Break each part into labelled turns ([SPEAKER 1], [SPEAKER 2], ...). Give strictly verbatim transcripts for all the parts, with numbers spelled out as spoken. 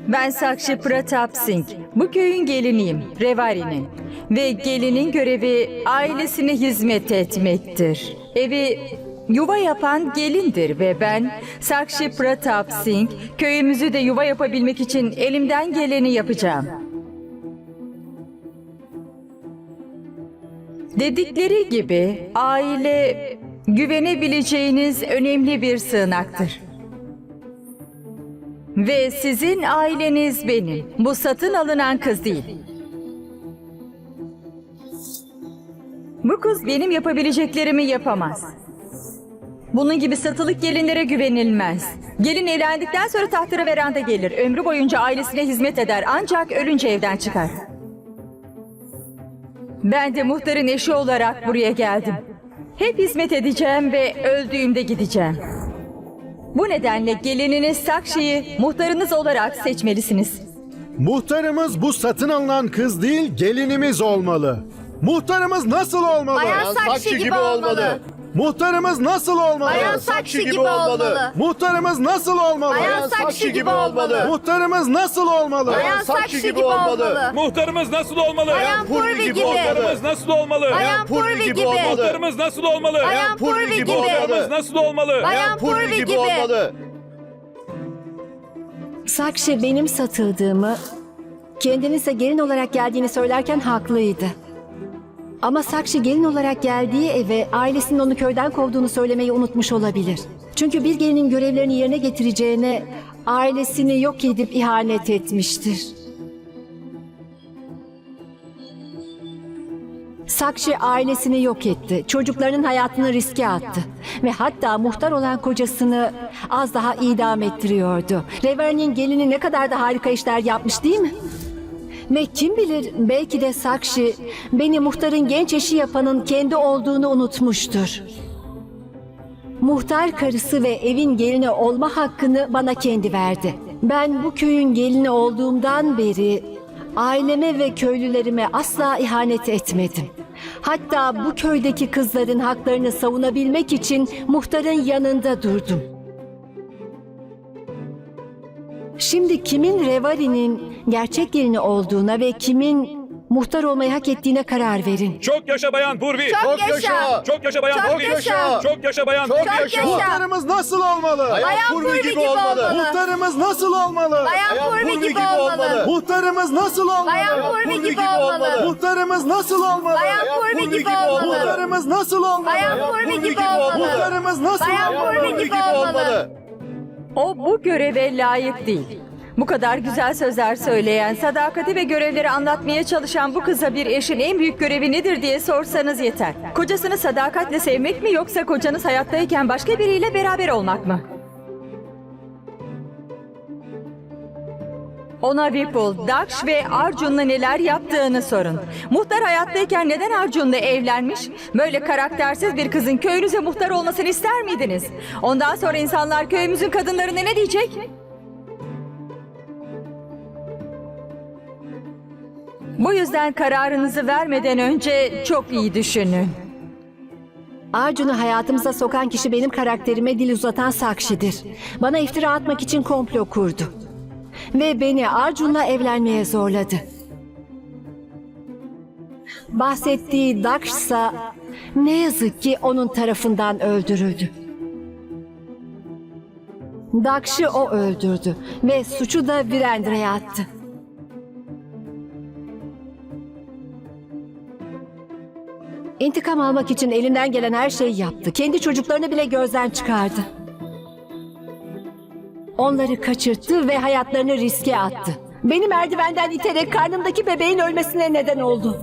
[SPEAKER 1] Ben Sakshi Pratap Singh. Bu köyün geliniyim, Revari'nin. Ve gelinin görevi ailesine hizmet etmektir. Evi yuva yapan gelindir ve ben Sakshi Pratap Singh, köyümüzü de yuva yapabilmek için elimden geleni yapacağım. Dedikleri gibi aile güvenebileceğiniz önemli bir sığınaktır. Ve sizin aileniz benim. Bu satın alınan kız değil. Bu kız benim yapabileceklerimi yapamaz. Bunun gibi satılık gelinlere güvenilmez. Gelin evlendikten sonra tahtları veranda gelir. Ömrü boyunca ailesine hizmet eder ancak ölünce evden çıkar. Ben de muhtarın eşi olarak buraya geldim. Hep hizmet edeceğim ve öldüğümde gideceğim. Bu nedenle gelininiz Sakshi'yi muhtarınız olarak seçmelisiniz.
[SPEAKER 2] Muhtarımız bu satın alınan kız değil, gelinimiz olmalı. Muhtarımız nasıl olmalı?
[SPEAKER 3] Bayan Sakshi gibi olmalı.
[SPEAKER 2] Muhtarımız nasıl olmalı?
[SPEAKER 3] Bayan Sakshi gibi olmalı.
[SPEAKER 2] Muhtarımız nasıl olmalı?
[SPEAKER 3] Bayan Sakshi gibi olmalı.
[SPEAKER 2] Muhtarımız nasıl olmalı?
[SPEAKER 3] Bayan Sakshi gibi olmalı.
[SPEAKER 4] Muhtarımız nasıl olmalı?
[SPEAKER 3] Bayan Purvi gibi.
[SPEAKER 4] Muhtarımız nasıl olmalı?
[SPEAKER 3] Bayan Purvi gibi.
[SPEAKER 4] Muhtarımız nasıl olmalı?
[SPEAKER 3] Bayan Purvi gibi.
[SPEAKER 4] Muhtarımız nasıl olmalı?
[SPEAKER 3] Bayan Purvi gibi.
[SPEAKER 5] Sakshi benim satıldığımı, kendinin ise gelin olarak geldiğini söylerken haklıydı. Ama Sakshi gelin olarak geldiği eve ailesinin onu köyden kovduğunu söylemeyi unutmuş olabilir. Çünkü bir gelinin görevlerini yerine getireceğine ailesini yok edip ihanet etmiştir. Sakshi ailesini yok etti, çocuklarının hayatını riske attı ve hatta muhtar olan kocasını az daha idam ettiriyordu. Revari'nin gelini ne kadar da harika işler yapmış değil mi? Ve kim bilir belki de Sakshi beni muhtarın genç eşi yapanın kendi olduğunu unutmuştur. Muhtar karısı ve evin gelini olma hakkını bana kendi verdi. Ben bu köyün gelini olduğumdan beri aileme ve köylülerime asla ihanet etmedim. Hatta bu köydeki kızların haklarını savunabilmek için muhtarın yanında durdum. Şimdi kimin Revari'nin gerçek gelini olduğuna ve kimin muhtar olmayı hak ettiğine karar verin.
[SPEAKER 4] Çok yaşa Bayan Purvi.
[SPEAKER 3] Çok yaşa.
[SPEAKER 4] Çok yaşa Bayan
[SPEAKER 3] Çok
[SPEAKER 4] Purvi.
[SPEAKER 3] yaşa.
[SPEAKER 4] Çok yaşa Bayan
[SPEAKER 3] Çok
[SPEAKER 4] Purvi.
[SPEAKER 3] yaşa.
[SPEAKER 2] Muhtarımız nasıl olmalı?
[SPEAKER 3] Bayan Purvi gibi olmalı.
[SPEAKER 2] Muhtarımız nasıl olmalı?
[SPEAKER 3] Bayan Purvi gibi olmalı.
[SPEAKER 2] Muhtarımız nasıl olmalı?
[SPEAKER 3] Bayan Purvi gibi olmalı.
[SPEAKER 2] Muhtarımız nasıl olmalı?
[SPEAKER 3] Bayan Purvi gibi olmalı.
[SPEAKER 2] Muhtarımız nasıl olmalı?
[SPEAKER 3] Bayan Purvi gibi olmalı.
[SPEAKER 2] Muhtarımız nasıl
[SPEAKER 3] Bayan Purvi gibi olmalı.
[SPEAKER 1] O bu göreve layık değil. Bu kadar güzel sözler söyleyen, sadakati ve görevleri anlatmaya çalışan bu kıza bir eşin en büyük görevi nedir diye sorsanız yeter. Kocasını sadakatle sevmek mi yoksa kocanız hayattayken başka biriyle beraber olmak mı? Ona Vipul, Daksh ve Arjun'la neler yaptığını sorun. Muhtar hayattayken neden Arjun'la evlenmiş? Böyle karaktersiz bir kızın köyünüze muhtar olmasını ister miydiniz? Ondan sonra insanlar köyümüzün kadınlarına ne diyecek? Bu yüzden kararınızı vermeden önce çok iyi düşünün.
[SPEAKER 5] Arjun'u hayatımıza sokan kişi benim karakterime dil uzatan Sakshi'dir. Bana iftira atmak için komplo kurdu. Ve beni Arjun'la evlenmeye zorladı. Bahsettiği Daksh ise ne yazık ki onun tarafından öldürüldü. Daksh'ı o öldürdü ve suçu da Virendra'ya attı. İntikam almak için elinden gelen her şeyi yaptı. Kendi çocuklarını bile gözden çıkardı. Onları kaçırttı ve hayatlarını riske attı. Beni merdivenden iterek karnımdaki bebeğin ölmesine neden oldu.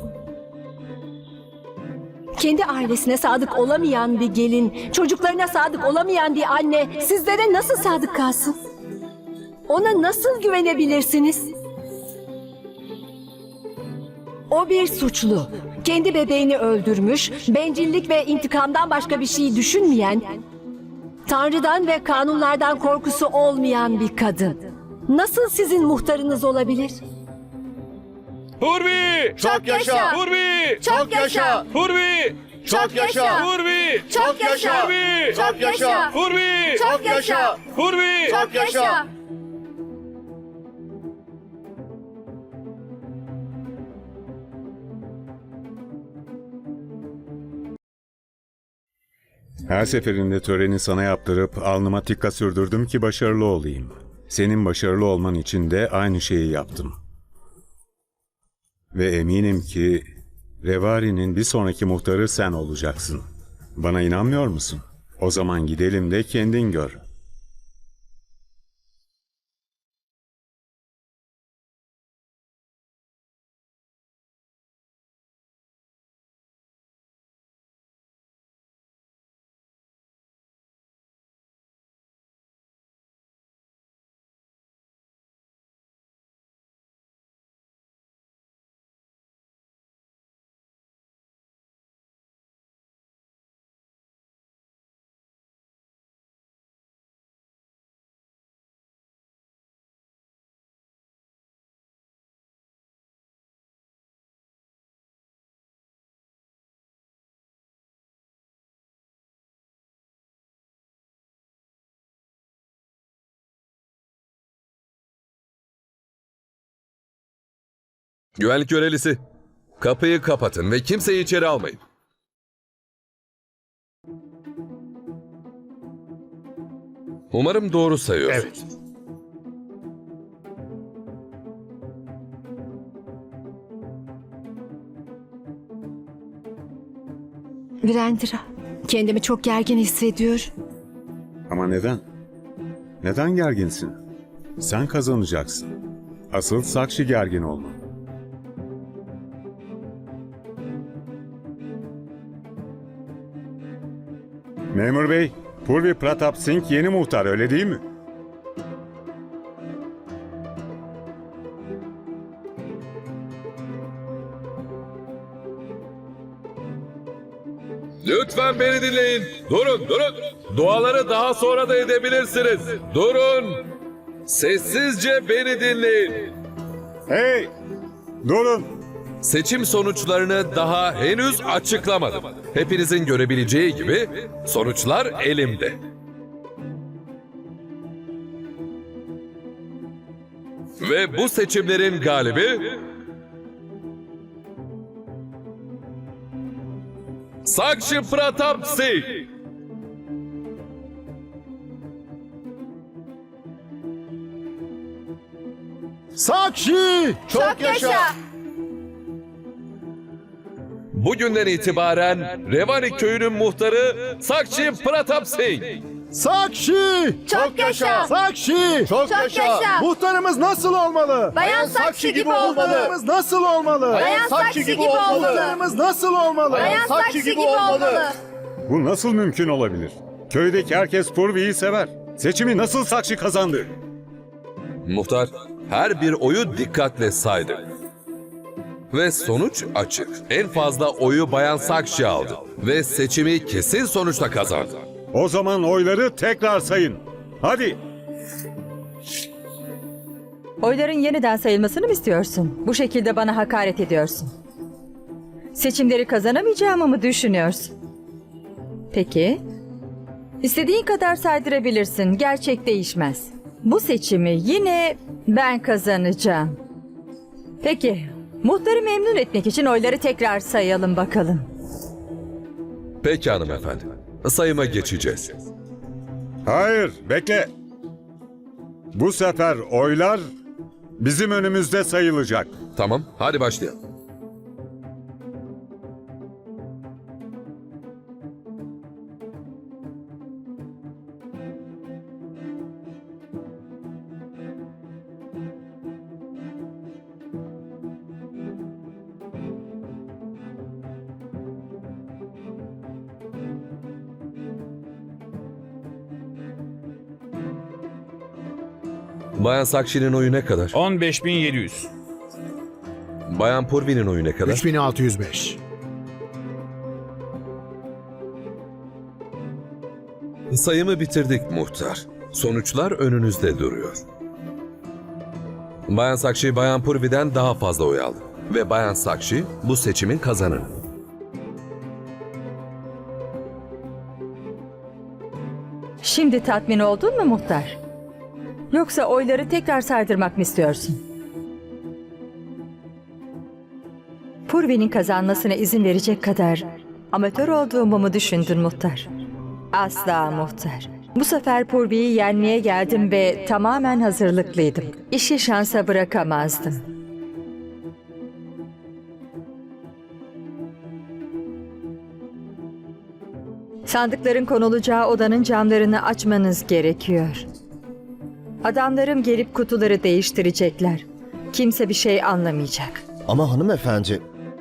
[SPEAKER 5] Kendi ailesine sadık olamayan bir gelin, çocuklarına sadık olamayan bir anne sizlere nasıl sadık kalsın? Ona nasıl güvenebilirsiniz? O bir suçlu. Kendi bebeğini öldürmüş, bencillik ve intikamdan başka bir şey düşünmeyen, Tanrı'dan ve kanunlardan korkusu olmayan bir kadın. Nasıl sizin muhtarınız olabilir?
[SPEAKER 4] Purvi!
[SPEAKER 3] Çok yaşa.
[SPEAKER 4] Purvi!
[SPEAKER 3] Çok yaşa.
[SPEAKER 4] Purvi!
[SPEAKER 3] Çok yaşa.
[SPEAKER 4] Purvi!
[SPEAKER 3] Çok yaşa.
[SPEAKER 4] Purvi!
[SPEAKER 3] Çok yaşa.
[SPEAKER 4] Purvi!
[SPEAKER 3] Çok yaşa.
[SPEAKER 4] Purvi!
[SPEAKER 3] Çok yaşa.
[SPEAKER 6] Her seferinde töreni sana yaptırıp alnıma tikka sürdürdüm ki başarılı olayım. Senin başarılı olman için de aynı şeyi yaptım. Ve eminim ki Revari'nin bir sonraki muhtarı sen olacaksın. Bana inanmıyor musun? O zaman gidelim de kendin gör.
[SPEAKER 7] Güvenlik görevlisi, kapıyı kapatın ve kimseyi içeri almayın. Umarım doğru sayıyorsun.
[SPEAKER 3] Evet.
[SPEAKER 5] Virendra, kendimi çok gergin hissediyorum.
[SPEAKER 6] Ama neden? Neden gerginsin? Sen kazanacaksın. Asıl Sakshi gergin olma. Memur bey, Purvi Pratap Singh yeni muhtar, öyle değil mi?
[SPEAKER 7] Lütfen beni dinleyin. Durun, durun. Duaları daha sonra da edebilirsiniz. Durun. Sessizce beni dinleyin.
[SPEAKER 6] Hey! Durun!
[SPEAKER 7] Seçim sonuçlarını daha henüz açıklamadım. Hepinizin görebileceği gibi sonuçlar elimde. Ve bu seçimlerin galibi Sakshi Pratap Singh.
[SPEAKER 2] Sakshi!
[SPEAKER 3] Çok yaşa.
[SPEAKER 7] Bugünden itibaren Revani köyünün muhtarı Sakshi Pratap Singh.
[SPEAKER 2] Sakshi!
[SPEAKER 3] Çok yaşa.
[SPEAKER 2] Sakshi!
[SPEAKER 3] Çok yaşa.
[SPEAKER 2] Muhtarımız nasıl olmalı?
[SPEAKER 3] Bayan Sakshi gibi olmalı.
[SPEAKER 2] Muhtarımız nasıl olmalı?
[SPEAKER 3] Bayan Sakshi gibi olmalı.
[SPEAKER 2] Muhtarımız nasıl olmalı?
[SPEAKER 3] Bayan Sakshi gibi olmalı.
[SPEAKER 6] Bu nasıl mümkün olabilir? Köydeki herkes Purvi'yi sever. Seçimi nasıl Sakshi kazandı?
[SPEAKER 7] Muhtar her bir oyu dikkatle saydı. Ve sonuç açık. En fazla oyu Bayan Sakshi aldı. Ve seçimi kesin sonuçla kazandı.
[SPEAKER 6] O zaman oyları tekrar sayın. Hadi!
[SPEAKER 1] Oyların yeniden sayılmasını mı istiyorsun? Bu şekilde bana hakaret ediyorsun. Seçimleri kazanamayacağımı mı düşünüyorsun? Peki. İstediğin kadar saydırabilirsin. Gerçek değişmez. Bu seçimi yine ben kazanacağım. Peki. Muhtarı memnun etmek için oyları tekrar sayalım bakalım.
[SPEAKER 7] Peki hanımefendi. Sayıma geçeceğiz.
[SPEAKER 6] Hayır, bekle. Bu sefer oylar bizim önümüzde sayılacak.
[SPEAKER 7] Tamam, hadi başlayalım. Bayan Sakshi'nin oyu ne kadar?
[SPEAKER 4] on beş bin yedi yüz.
[SPEAKER 7] Bayan Purvi'nin oyu ne kadar?
[SPEAKER 2] üç bin altı yüz beş.
[SPEAKER 7] Sayımı bitirdik muhtar. Sonuçlar önünüzde duruyor. Bayan Sakshi, Bayan Purvi'den daha fazla oy aldı. Ve Bayan Sakshi bu seçimin kazananı.
[SPEAKER 1] Şimdi tatmin oldun mu muhtar? Yoksa oyları tekrar saydırmak mı istiyorsun? Purvi'nin kazanmasına izin verecek kadar amatör olduğumu mu düşündün muhtar? Asla muhtar. Bu sefer Purvi'yi yenmeye geldim ve tamamen hazırlıklıydım. İşi şansa bırakamazdım. Sandıkların konulacağı odanın camlarını açmanız gerekiyor. Adamlarım gelip kutuları değiştirecekler. Kimse bir şey anlamayacak.
[SPEAKER 8] Ama hanımefendi,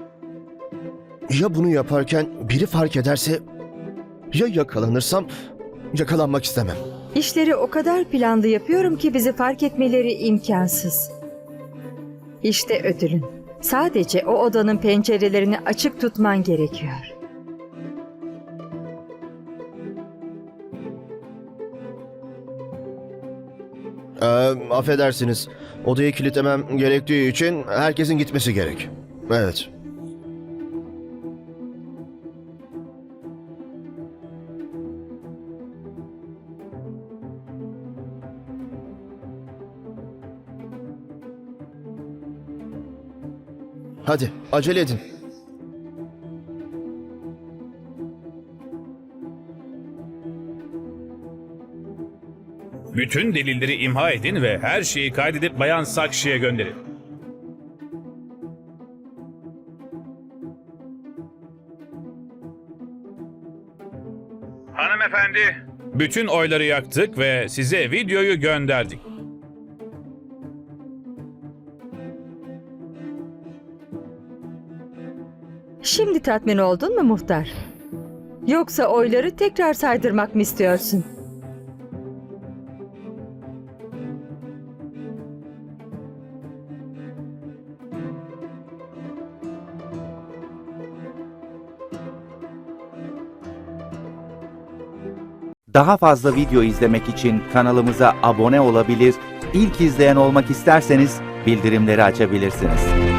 [SPEAKER 8] ya bunu yaparken biri fark ederse, ya yakalanırsam, yakalanmak istemem.
[SPEAKER 1] İşleri o kadar planlı yapıyorum ki bizi fark etmeleri imkansız. İşte ödülün. Sadece o odanın pencerelerini açık tutman gerekiyor.
[SPEAKER 8] Ee, affedersiniz, odayı kilitlemem gerektiği için herkesin gitmesi gerek. Evet. Hadi, acele edin.
[SPEAKER 4] Bütün delilleri imha edin ve her şeyi kaydedip Bayan Sakşi'ye gönderin. Hanımefendi. Bütün oyları yaktık ve size videoyu gönderdik.
[SPEAKER 1] Şimdi tatmin oldun mu muhtar? Yoksa oyları tekrar saydırmak mı istiyorsun?
[SPEAKER 9] Daha fazla video izlemek için kanalımıza abone olabilir, ilk izleyen olmak isterseniz bildirimleri açabilirsiniz.